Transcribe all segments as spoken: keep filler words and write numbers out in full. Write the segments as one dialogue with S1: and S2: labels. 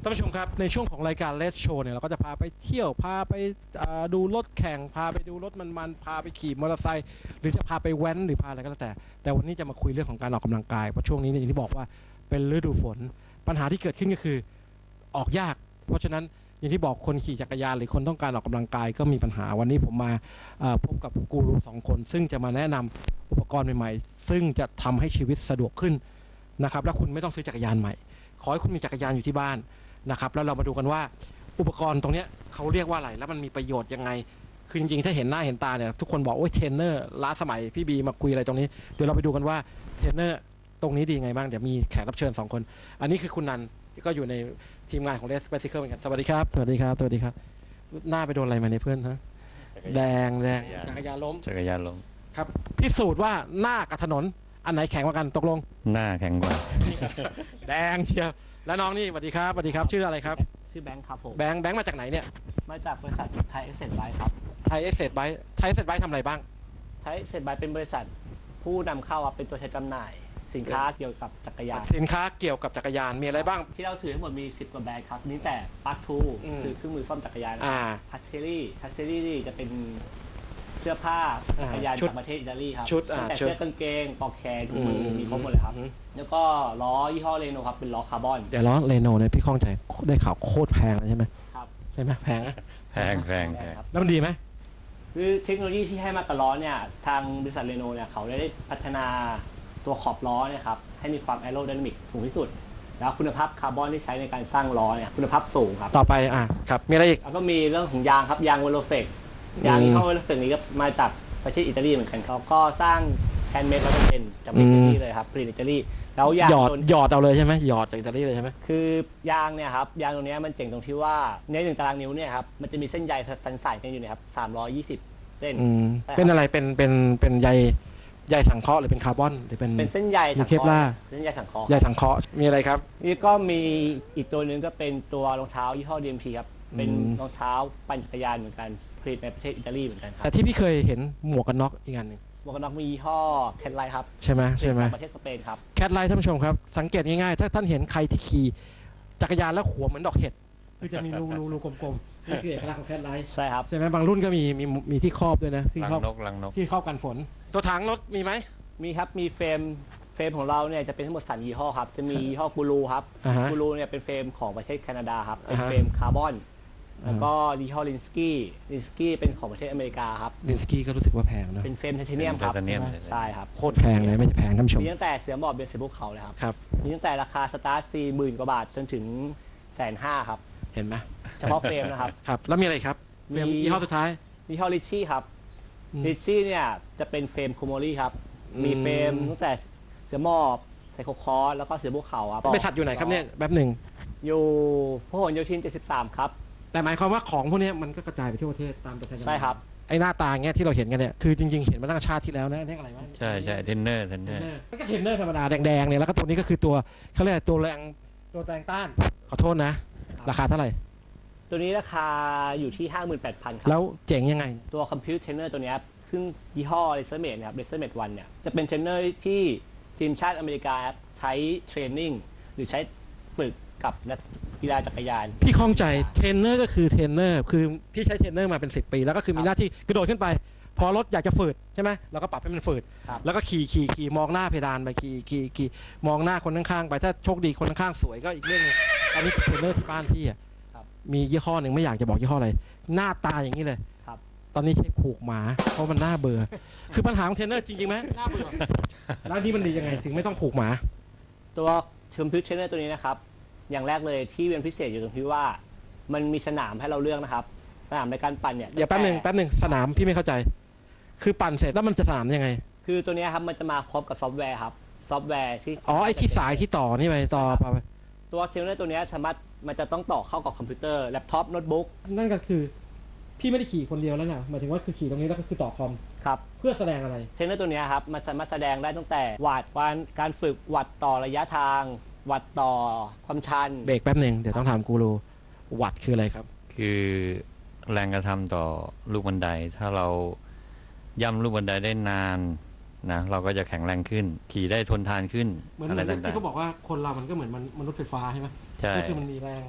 S1: ท่านผู้ชมครับในช่วงของรายการเลสโชว์เนี่ยเราก็จะพาไปเที่ยวพาไปดูรถแข่งพาไปดูรถมันๆพาไปขี่มอเตอร์ไซค์หรือจะพาไปแว้นหรือพาอะไรก็แล้วแต่แต่วันนี้จะมาคุยเรื่องของการออกกำลังกายเพราะช่วงนี้เนี่ยอย่างที่บอกว่าเป็นฤดูฝนปัญหาที่เกิดขึ้นก็คือออกยากเพราะฉะนั้นอย่างที่บอกคนขี่จักรยานหรือคนต้องการออกกำลังกายก็มีปัญหาวันนี้ผมมาพบกับกูรูสองคนซึ่งจะมาแนะนำอุปกรณ์ใหม่ๆซึ่งจะทำให้ชีวิตสะดวกขึ้นนะครับและคุณไม่ต้องซื้อจักรยานใหม่ขอให้คุณมีจักรยานอยู่ที่บ้านนะครับแล้วเรามาดูกันว่าอุปกรณ์ตรงนี้เขาเรียกว่าอะไรแล้วมันมีประโยชน์ยังไงคือจริงๆถ้าเห็นหน้าเห็นตาเนี่ยทุกคนบอกโอ้ยเทรนเนอร์ล้าสมัยพี่บีมาคุยอะไรตรงนี้เดี๋ยวเราไปดูกันว่าเทรนเนอร์ตรงนี้ดีไงบ้างเดี๋ยวมีแขกรับเชิญสองคนอันนี้คือคุณนันที่ก็อยู่ในทีมงานของเรสเปซิเคิลเหมือนกันสวัสดีครับสวัสดีครับสวัสดีครับหน้าไปโดนอะไรมาเนี่ยเพื่อนฮะแดงแดงจักรยานล้ม
S2: จักรยานล้ม
S1: ครับพิสูจน์ว่าหน้ากับถนนอันไหนแข็งกว่ากันตกลง
S2: หน้าแข็งกว่า
S1: แดงเชียวแล้วน้องนี่สวัสดีครับสวัสดีครับชื่ออะไรครับ
S3: ชื่อแบงค์ครับผม
S1: แบงค์แบงค์มาจากไหนเนี่ย
S3: มาจากบริษัทไทยเอเซนไบค์ครับ
S1: ไทยเอเซนไบค์ไทยเอเซนไบค์ทำอะไรบ้าง
S3: ไทยเอเซนไบค์เป็นบริษัทผู้นำเข้าครับเป็นตัวแทนจำหน่ายสินค้าเกี่ยวกับจักรยาน
S1: สินค้าเกี่ยวกับจักรยานมีอะไรบ้าง
S3: ที่เราถือทั้งหมดมีสิบกว่าแบรนด์ครับนี่แต่ปาร์คทูคือเครื่องมือซ่อมจักรยานพัชเชอรี่พัชเชอรี่นี่จะเป็นเสื้อผ้าจักรยานจากประเทศอิตาลีครับแต่เสื้อกางเกงปลอกแขนถุงมือมีครบหมดเลยครับแล้วก็ล้อยี่ห้อเรโนครับเป็นล้อคาร์บอน
S1: เดี๋ยวล้อเรโนเนี่ยพี่ข้องใจได้ข่าวโคตรแพงเลยใช่ไหมครับใช่ไหมแพงนะ
S2: แพงแพง
S1: ครับแล้วมันดีไหม
S3: คือเทคโนโลยีที่ให้มากับล้อเนี่ยทางบริษัทเรโนเนี่ยเขาได้พัฒนาตัวขอบล้อเนี่ยครับให้มีความแอโรไดนามิกสูงที่สุดแล้วคุณภาพคาร์บอนที่ใช้ในการสร้างล้อเนี่ยคุณภาพสูงครับ
S1: ต่อไปอ่ะครับมีอะไรอีก
S3: แล้วก็มีเรื่องของยางครับยางวอลโลเฟกยางที่เข้าวอลโลเฟกนี้ก็มาจากประเทศอิตาลีเหมือนกันเขาก็สร้างแฮนด์เมดร้อยเปอร์เซ็นต์จากอิตาลีเลยครับผลิตอิตาลีแล้วยาง
S1: หยอดหยอดเอาเลยใช่ไหมหยอดจากอิตาลีเลยใช่ไหม
S3: คือยางเนี่ยครับยางตรงนี้มันเจ๋งตรงที่ว่าในหนึ่งตารางนิ้วเนี่ยครับมันจะมีเส้นใยสันสายกันอยู่นะครับสามร้อยยี่สิบเส้น
S1: เป็นอะไรเป็นเป็นเป็นใยใยสังเคราะห์หรือเป็นคาร์บอนหรือเป็น
S3: เป็นเส้นใยสังเคราะห์เส้นใยสังเคราะห์
S1: ใยสังเคราะห์มีอะไรครับ
S3: นี่ก็มีอีกตัวหนึ่งก็เป็นตัวรองเท้ายี่ห้อ ดี เอ็ม ที ครับเป็นรองเท้าปั่นจักรยานเหมือนกันผลิตในประเทศอิตาลีเหมือนกันครับ
S1: แต่ที่พี่เคยเห็นหมวกกันน็อกอีกอันหนึ่ง
S3: หมวกกันน็อกมียี่ห้อแคทไลท์ครับ
S1: ใช่ไหมใช่ไหม
S3: ประเทศสเปนครับ
S1: แคทไลท์ท่านผู้ชมครับสังเกตง่ายๆถ้าท่านเห็นใครที่ขี่จักรยานแล้วหัวเหมือนดอกเห็ดคือจะมีรูรูรูกลมๆนี่คือเอกลักษณ์ของแคทไลท์
S3: ใช่ครับ
S1: ใช่ไหมบางรุ่นก็มีมีมีที่ครอบด้วยนะที่ครอบ
S2: นกลังนก
S1: ที่ครอบกันฝนตัวถังรถมีไหม
S3: มีครับมีเฟรมเฟรมของเราเนี่ยจะเป็นทั้งหมดสามยี่ห้อครับจะมียี่ห้อกูรูครับกูรูเนี่ยเป็นเฟรมของประเทศแคนาดาครับเป็นเฟรมคาร์บอนแล้วก็ยี่ห้อลินสกี้ลินสกี้เป็นของประเทศอเมริกาครับ
S1: ลินสกี้ก็รู้สึกว่าแพงนะ
S3: เป็นเฟรมไทเทเนียมครับใช่ครับ
S1: โคตรแพงเลยไม่ใช่แพงท่านผู้ชม
S3: มีตั้งแต่เสือหมอบเป็นเสือภูเขาเลยครับ
S1: ครับ
S3: มีตั้งแต่ราคาสตาร์ทสี่หมื่นกว่าบาทจนถึงแสนห้าครับ
S1: เห็นไหม
S3: เฉพาะเฟรมนะครับ
S1: ครับแล้วมีอะไรครับเฟรมยี่ห้อสุดท้าย
S3: ยี่ห้อลิชชี่ครับลิชชี่เนี่ยจะเป็นเฟรมโคโมลี่ครับมีเฟรมตั้งแต่เสือหมอบไซโคคอร์สแล้วก็เสือภูเขาครับ
S1: บริษัทอยู่ไหนครับเนี่ยแป๊บหนึ่ง
S3: อยู่พหลโยธินเจ็ดสิบสามครับ
S1: แต่หมายความว่าของพวกนี้มันก็กระจายไปทั่วประเทศตามประเทศ
S3: ใช่ครับ
S1: ไอ้หน้าตาเงี้ยที่เราเห็นกันเนี่ยคือจริงๆเห็นมาตั้งชาติที่แล้วนะนี่อะไรวะ
S2: ใช่ใช่เทนเนอร์เทนเนอร์
S1: มันก็เทนเนอร์ธรรมดาแดงๆเนี่ยแล้วก็ตัวนี้ก็คือตัวเขาเรียกตัวแรงตัวแรงต้านขอโทษนะราคาเท่าไหร่
S3: ตัวนี้ราคาอยู่ที่ ห้าหมื่นแปดพัน ครับ
S1: แล้วเจ๋งยังไง
S3: ตัวคอมพิวเตอร์เทรนเนอร์ตัวนี้ซึ่งยี่ห้อเรเซอร์เมดนะครับเรเซอร์เมดวันเนี่ยจะเป็นเทรนเนอร์ที่ทีมชาติอเมริกาใช้เทรนนิ่งหรือใช้ฝึกกับนักกีฬาจักรยาน
S1: พี่ข้องใจเทรนเนอร์ก็คือเทรนเนอร์คือพี่ใช้เทรนเนอร์มาเป็นสิบปีแล้วก็คือมีหน้าที่กระโดดขึ้นไปพอรถอยากจะฝืดใช่ไหมเราก็ปรับให้มันฝืดแล้วก็ขี่ขี่ขี่มองหน้าเพดานไปขี่ขี่ขี่มองหน้าคนข้างๆไปถ้าโชคดีคนข้างๆสวยก็อีกเรื่องนึงอันนี้เทรนเนอร์ที่บ้านพี่อ่ะมียี่ห้อหนึ่งไม่อยากจะบอกยี่ห้ออะไรหน้าตาอย่างนี้เลยตอนนี้ใช้ผูกหมาเพราะมันน่าเบื่อคือปัญหาของเทรนเนอร์จริงๆไหมน่าเบื่อแล้วนี่มันดียังไงถึงไม่ต้องผูกหมา
S3: ตัวคอมพิวเตอร์เทรนเนอร์ตัวนี้นะครับอย่างแรกเลยที่เป็นพิเศษอยู่ตรงที่ว่ามันมีสนามให้เราเลือกนะครับสนามในการปั่นเนี่ย
S1: อย่าแป๊บหนึ่งแป๊บหนึ่งสนามพี่ไม่เข้าใจคือปั่นเสร็จแล้วมันจะสนามยังไง
S3: คือตัวนี้ครับมันจะมาพร้อมกับซอฟต์แวร์ครับซอฟต์แวร์ที่
S1: อ๋อไอ้ที่สายที่ต่อนี่ไปต่อไป
S3: ตัวเทรนเนอร์ตัวนี้สามารถมันจะต้องต่อเข้ากับคอมพิวเตอร์แล็ปท็อปโน้ตบุ๊ก
S1: นั่นก็คือพี่ไม่ได้ขี่คนเดียวแล้วนะหมายถึงว่าคือขี่ตรงนี้แล้วก็คือต่อคอม
S3: ครับ
S1: เพื่อแสดงอะไร
S3: เทรนเนอร์ตัวนี้ครับมันสามารถแสดงได้ตั้งแต่วัดการการฝึกวัดต่อระยะทางวัดต่อความชัน
S1: เบรกแป๊บหนึ่งเดี๋ยวต้องถามกูรูวัดคืออะไรครับ
S2: คือแรงกระทำต่อลูกบันไดถ้าเราย่ำลูกบันไดได้นานนะเราก็จะแข็งแรงขึ้นขี่ได้ทนทานขึ้น
S1: อะไรต่างๆที่เขาบอกว่าคนเรามันก็เหมือนมนุษย์ไฟฟ้าใช่ไหม
S2: ใช่
S1: ก็คือมันมีแรง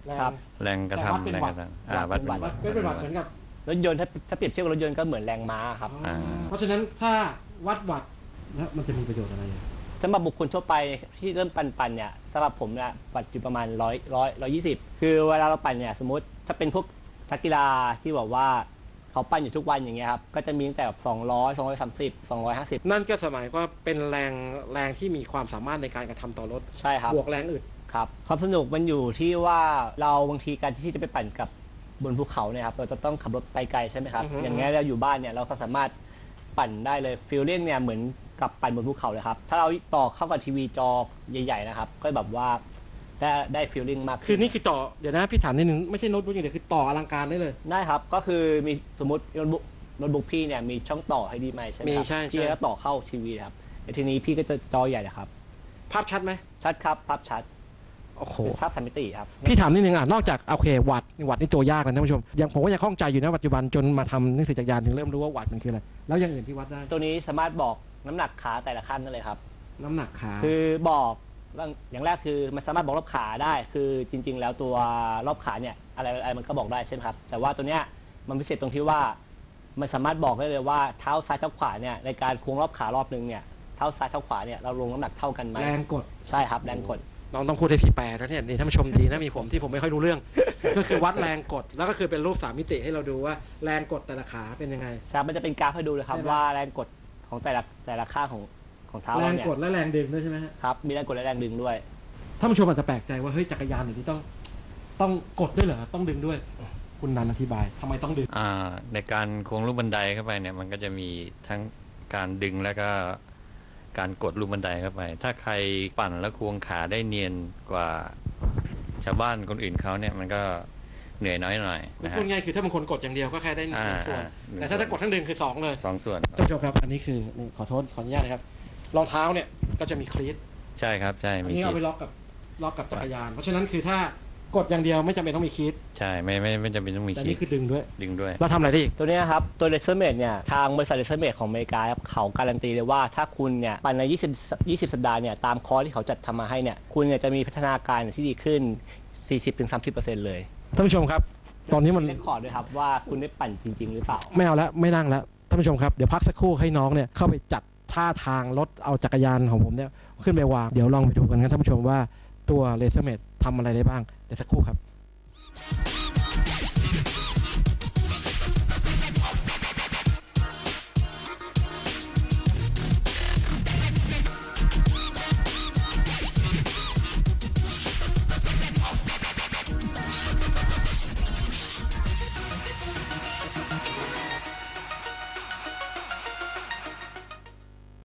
S3: ครับ
S2: แรงกระทำแรงกระทำอ่าวัดเป็นวัตต์
S1: เป็นเป็นวัตต์เหมือนกับ
S3: รถยนต์ถ้าถ้าเปรียบเทียบกับรถยนต์ก็เหมือนแรงม้าครับ
S1: เพราะฉะนั้นถ้าวัดวัตต์แล้วมันจะมีประโยชน์อะไร
S3: สำหรับบุคคลทั่วไปที่เริ่มปั่นปั่นเนี่ยสำหรับผมเนี่ยวัตต์อยู่ประมาณร้อยร้อยร้อยยี่สิบคือเวลาเราปั่นเนี่ยสมมติถ้าเป็นพวกนักกีฬาที่บอกว่าเขาปั่นอยู่ทุกวันอย่างเงี้ยครับก็จะมีตั้งแต่แบบสองร้อย สองร้อยสามสิบ สองร้อยห้าสิบ
S1: นั่นก็หมายว่าเป็นแรงแรงที่มีความสามารถในการกระทำต่อรถ
S3: ใช่ครับ
S1: บวกแรงอื่น
S3: ครับความสนุกมันอยู่ที่ว่าเราบางทีการที่จะไปปั่นกับบนภูเขาเนี่ยครับเราจะต้องขับรถไปไกลใช่ไหมครับอย่างเงี้ยเราอยู่บ้านเนี่ยเราก็สามารถปั่นได้เลยฟีลลิ่งเนี่ยเหมือนกับปั่นบนภูเขาเลยครับถ้าเราต่อเข้ากับทีวีจอใหญ่ๆนะครับก็แบบว่าได้ได้ฟีลลิ่งมาก
S1: คือนี่คือต่อเดี๋ยวนะพี่ถามนิดนึงไม่ใช่โน้ตบุ๊กอย่างเดียวคือต่ออลังการได้เลย
S3: ได้ครับก็คือมีสมมติโน้ตบุ๊กโน้ตบุ๊กพี่เนี่ยมีช่องต่อให้ดีไหมใช่ไหมครับ
S1: ใช่
S3: พี่ก็ต่อเข้าทีวีครับแต่ทีนี้พี่ก็จะจอใหญ่เลยครับ
S1: ภาพชัดไหม
S3: ชัดครับภาพชัด
S1: โอ้โห
S3: ภาพสามมิติครับ
S1: พี่ถามนิดนึงอ่ะนอกจากโอเควัตต์วัตต์นี่ตัวยากนะท่านผู้ชมยังผมก็ยังข้องใจอยู่นะปัจจุบันจนมาทำหนังสือจักรยานถึงเริ่มรู้ว่าวัตต์มันคืออะไรแล้วอย่างอื่นที่วัดได้
S3: ตัวนี้สามารถบอกน้ำหนักขาแต่ละขั้นได้เลยครับ
S1: น้ำหนักขา
S3: คือบอกอย่างแรกคือมันสามารถบอกรอบขาได้คือจริงๆแล้วตัวรอบขาเนี่ยอะไรอะไรมันก็บอกได้ใช่ไหมครับแต่ว่าตัวเนี้ยมันพิเศษตรงที่ว่ามันสามารถบอกได้เลยว่าเท้าซ้ายเท้าขวาเนี่ยในการควงรอบขารอบนึงเนี่ยเท้าซ้ายเท้าขวาเนี่ยเราลงน้ำหนักเท่ากันไหม
S1: แรงกด
S3: ใช่ครับแรงกด
S1: น้องต้องพูดให้พี่แปลนะเนี่ยนี่ท่านผู้ชมดีนะมีผมที่ผมไม่ค่อยรู้เรื่อง ก็คือวัดแรงกดแล้วก็คือเป็นรูปสามมิติให้เราดูว่าแรงกดแต่ละขาเป็นยังไง
S3: ใช่มันจะเป็นกราฟให้ดูเลยครับว่าแรงกดของแต่ละแต่ละข้างของของเท้า
S1: แรงกดและแรงดึงด้วยใช่ไหม
S3: ครับมีแรงกดและแรงดึงด้วย
S1: ท่านผู้ชมอาจจะแปลกใจว่าเฮ้ยจักรยานอย่างนี้ต้องต้องกดด้วยเหรอต้องดึงด้วยคุณนันอธิบายทำไมต้องดึง
S2: อ่าในการควงลูกบันไดเข้าไปเนี่ยมันก็จะมีทั้งการดึงแล้วก็การกดลูกบันไดเข้าไปถ้าใครปั่นแล้วควงขาได้เนียนกว่าชาวบ้านคนอื่นเขาเนี่ยมันก็เหนื่อยน้อยหน่อยนะฮะ
S1: พูดง่ายคือถ้าบางคนกดอย่างเดียวก็แค่ได้หนึ่งส่วนแต่ถ้าถ้ากดทั้งดึงคือสองเลย
S2: สองส่วน
S1: ท่านผู้ชมครับอันนี้คือนี่ขอโทษขออนุญาตนะครับรองเท้าเนี่ยก็จะมีคลีต
S2: ใช่ครับใช่
S1: อันนี้เอาไปล็อกกับล็อกกับจักรยานเพราะฉะนั้นคือถ้ากดอย่างเดียวไม่จำเป็นต้องมีคลีต
S2: ใช่ไม่ไม่ไม่จำเป็นต้องมีคลีตแต่
S1: นี่คือดึงด้วย
S2: ดึงด้วย
S1: เราทำอะไรได้อีก
S3: ตัวนี้ครับตัวเลเซอร์เมดเนี่ยทางบริษัทเลเซอร์เมดของอเมริกาครับเขาการันตีเลยว่าถ้าคุณเนี่ยปั่นในยี่สิบ ยี่สิบสัปดาห์เนี่ยตามคอร์สที่เขาจัดทำมาให้เนี่ยคุณเนี่ยจะมีพัฒนาการที่ดีขึ้น สี่สิบถึงสามสิบเปอร์เซ็นต์ เลย
S1: ท่านผู้ชมครับตอนนี้มัน
S3: เรคคอร์ดด้วยครับว่าคุณได้ปั่นจริงๆหรือเปล่า
S1: ไม่เอาแล้วไม่นั่งแล้วท่านผู้ชมครับเดี๋ยวพักสักครู่ให้น้องเนี่ยเข้าไปจัดท่าทางรถเอาจักรยานของผมเนี่ยขึ้นไปวางเดี๋ยวลองไปดูกันครับท่านผู้ชมว่าตัวเลเซอร์เมดทำอะไรได้บ้างเดี๋ยวสักครู่ครับ